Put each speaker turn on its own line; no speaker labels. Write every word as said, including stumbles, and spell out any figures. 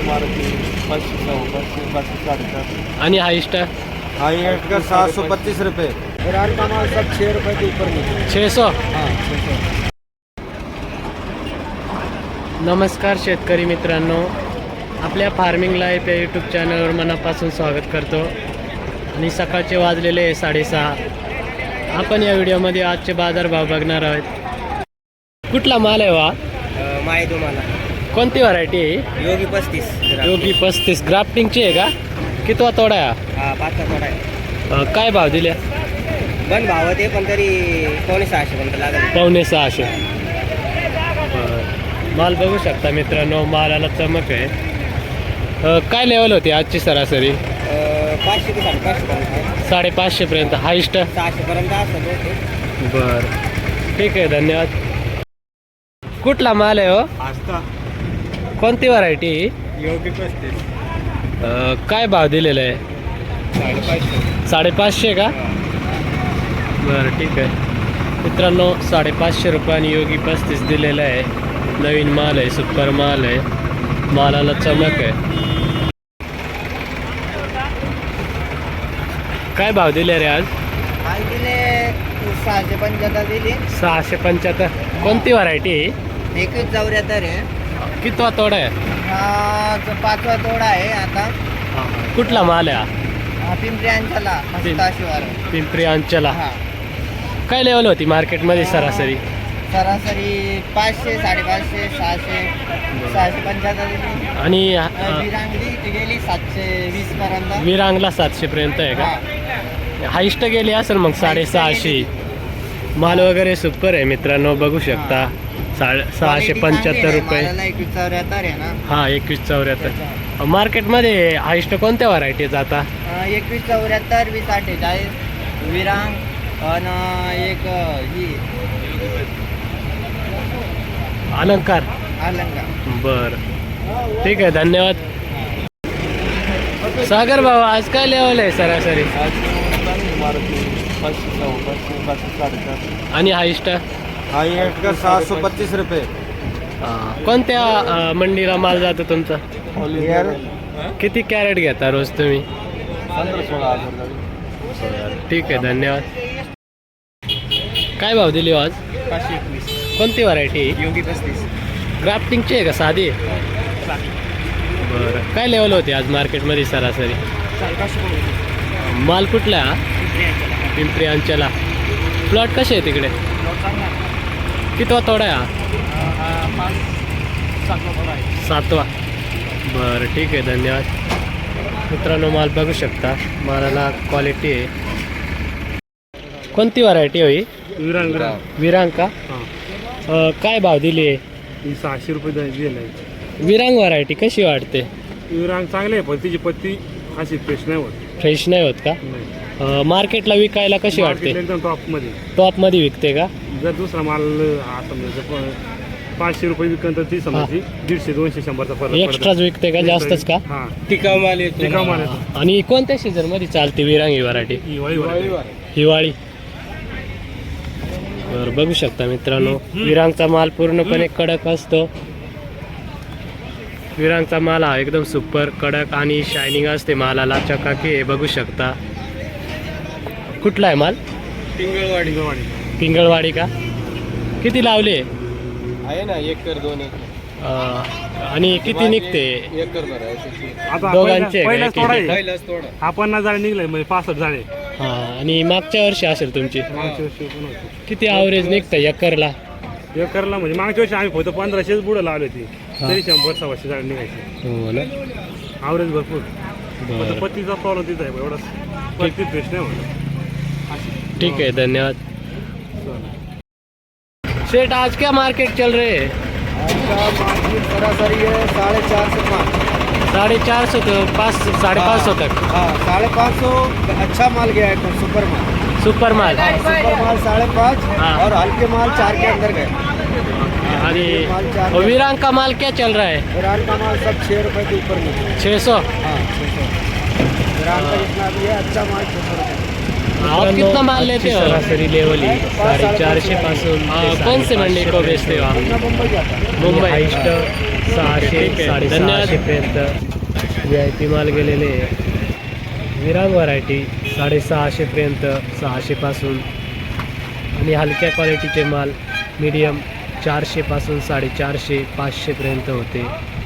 मारुति पाँच सौ पाँच पाँच साढ़े
आणि हाईस्ट
हाई एट का सात सौ पच्चीस रुपये। ईरान का माल सब छः रुपये के ऊपर नीचे।
छः सौ
हाँ छः सौ।
नमस्कार शेतकरी मित्रांनो, आपल्या फार्मिंग लाईफ या यूट्यूब चॅनलवर मनापासून स्वागत करतो। आणि सकाळचे वाजलेले आहे साडेसहा। आपण या व्हिडिओमध्ये आजचे बाजारभाव बघणार आहोत। कुठला माल आहे वा?
माय तुम्हाला
कोणती व्हरायटी आहे?
योगी पस्तीस।
योगी पस्तीस ग्राफ्टिंगची आहे का? कितवा तोडा आहे?
हा पाचचा थोडा आहे।
अं, काय भाव दिले?
पण भाव ते पण तरी पावणे सहाशे पर्यंत लागेल।
पावणे सहाशे। बरं. माल बघू शकता मित्रांनो, मालाला चमक आहे। अं, काय लेवल होती आजची सरासरी?
पाचशे ते साडेपाचशे पर्यंत।
साडेपाचशे पर्यंत हाईस्ट?
सहाशे पर्यंत असं होते।
बरं ठीक आहे, धन्यवाद। कुठला माल आहे हो?
आस्था
कोणती व्हरायटी?
योगी पस्तीस।
काय भाव दिलेला आहे?
साडेपाचशे।
साडेपाचशे का? बरं ठीक आहे मित्रांनो, साडेपाचशे रुपयाने योगी पस्तीस दिलेला आहे। नवीन माल आहे, सुपर माल आहे, मालाला चमक आहे। काय भाव दिले रे आज?
आज दिले सहाशे पंच्याहत्तर दिली।
सहाशे पंच्याहत्तर। कोणती व्हरायटी?
एकवीस चौऱ्याहत्तर आहे।
कितवा तोडा आहे?
हा जो पाचवा तोडा आहे आता।
कुठला माल आहे
हा पिंपरी अंचला शिवार।
पिंपरी अंचला।
हा
काय लेवल होती मार्केटमध्ये सरासरी?
सरासरी पाचशे साडेपाचशे सहाशे सहाशे पंच्याहत्तर दिली।
आणि अं,
विरांगली ती गेली सातशे वीस पर्यंत।
विरांगला सातशे पर्यंत आहे का?
हा.
हाईस्ट गेली असेल मग साडेसहाशे। माल वगैरे सुपर आहे मित्रांनो, बघू शकता। साडे सहाशे पंच्याहत्तर रुपये।
एकवीस चौऱ्याहत्तर आहे ना?
हा एकवीस चौऱ्याहत्तर। मार्केटमध्ये हाईस्ट कोणत्या व्हरायटी जाता?
अं, एकवीस चौऱ्याहत्तर वीस अठ्ठेचाळीस विरांग आणि एक ही
अलंकार।
अलंगा।
बरं ठीक आहे, धन्यवाद। सागर भाऊ, आज काय लेवल आहे सरासरी? आणि हाईस्ट?
हाई एट का सात सौ पच्चीस रुपये।
कोणत्या अं, मंडीला माल जातो तुमचा? किती कॅरेट घेता रोज तुम्ही? ठीक आहे, धन्यवाद। काय भाव दिली हो आज?
पाचशे एकवीस।
कोणती व्हरायटी?
योगी पस्तीस।
ग्राफ्टिंगची आहे का साधी? बरं, काय लेवल होती आज मार्केटमध्ये सरासरी? माल कुठला आहे? पिंपरी अंचला। प्लॉट कसे आहे तिकडे? कितवा तोडा आहे हा? सातवा। बरं ठीक आहे, धन्यवाद मित्रांनो। माल बघू शकता, मालाला क्वालिटी आहे। कोणती व्हरायटी होई?
विरांग
विरांग का? अं, काय भाव दिली आहे?
सहाशे रुपये दिले आहे।
विरांग व्हरायटी कशी वाटते?
विरांग चांगले आहे, पण तिची पत्ती अशी फ्रेश नाही होत।
फ्रेश नाही होत का? अं, मार्केटला विकायला कशी वाटते?
एकदम टॉपमध्ये
टॉपमध्ये विकते का?
जर दुसरा माल हा समजायचं पाचशे रुपये विकन तर ती समजायची दीडशे दोनशे शंभरचा फरक
एक्स्ट्राच विकते का? जास्तच का?
हा
टिकाऊ माल येतो।
टिकाऊ माल येतो।
आणि कोणत्या सीझन मध्ये चालते विरांग ही व्हरायटी?
हिवाळी वाढते।
हिवाळी। बरं बघू शकता मित्रांनो, विरांगचा माल पूर्णपणे कडक असतो। विरांगचा माल हा एकदम सुपर कडक आणि शायनिंग असते, मालाला चकाकी आहे, बघू शकता। कुठला आहे माल?
पिंगळवाडी।
पिंगळवाडी का? किती लावले?
आहे ना एकर दोन एकर।
अं, आणि किती निघते?
एकर भरायचे।
आता
दोघांचे
पहिला
काय?
तोडा आहे,
पहिलाच थोडा।
हा पन्नास झाडे निघले म्हणजे पासष्ट झाडे।
हा, आणि मागच्या वर्षी असेल तुमची?
मागच्या वर्षी पण होते।
किती ॲव्हरेज निघतं एकरला?
एकरला म्हणजे मागच्या वर्षी आम्ही फक्त पंधराशेच बुडं लावली होती, तरी शंभर सव्वाशे झाडे निघायचे।
हो ना?
ॲव्हरेज भरपूर।
बरं
फक्त पत्तीचा प्रॉब्लेम तिचा आहे, एवढा पत्ती फ्रेश नाही होत।
ठीक है, धन्यवाद। सेठ, आज क्या मार्केट चल रहे हैं?
आज का मार्केट सरासरी है साढ़े चार से पाँच।
साढ़े चार सौ तो पाँच साढ़े पाँच सौ तक।
हाँ साढ़े पाँच सौ अच्छा माल गया है, तो सुपर माल।
सुपर माल।
सुपर माल साढ़े पाँच
हाँ।
और हल्के माल चार के अंदर गए।
और विरांग का माल क्या चल रहा है?
विरान का माल सब छः रुपये के ऊपर नीचे।
छः सौ।
हाँ छः सौ। विरान का जितना भी है अच्छा माल छः सौ रुपये।
आप कितना माल लेते हो?
सरासरी लेवल ही साढ़े चारशे पासून
हाँ, कौन से मंडी को बेचते हो आप? मुंबई
हाईस्ट सहाशे
ठीक आहे.
साडेसहाशे पर्यंत व्ही आय पी माल गेलेले आहे. विरांग व्हरायटी साडेसहाशेपर्यंत सहाशेपासून आणि हलक्या क्वालिटीचे माल मीडियम चारशेपासून साडेचारशे पाचशेपर्यंत होते.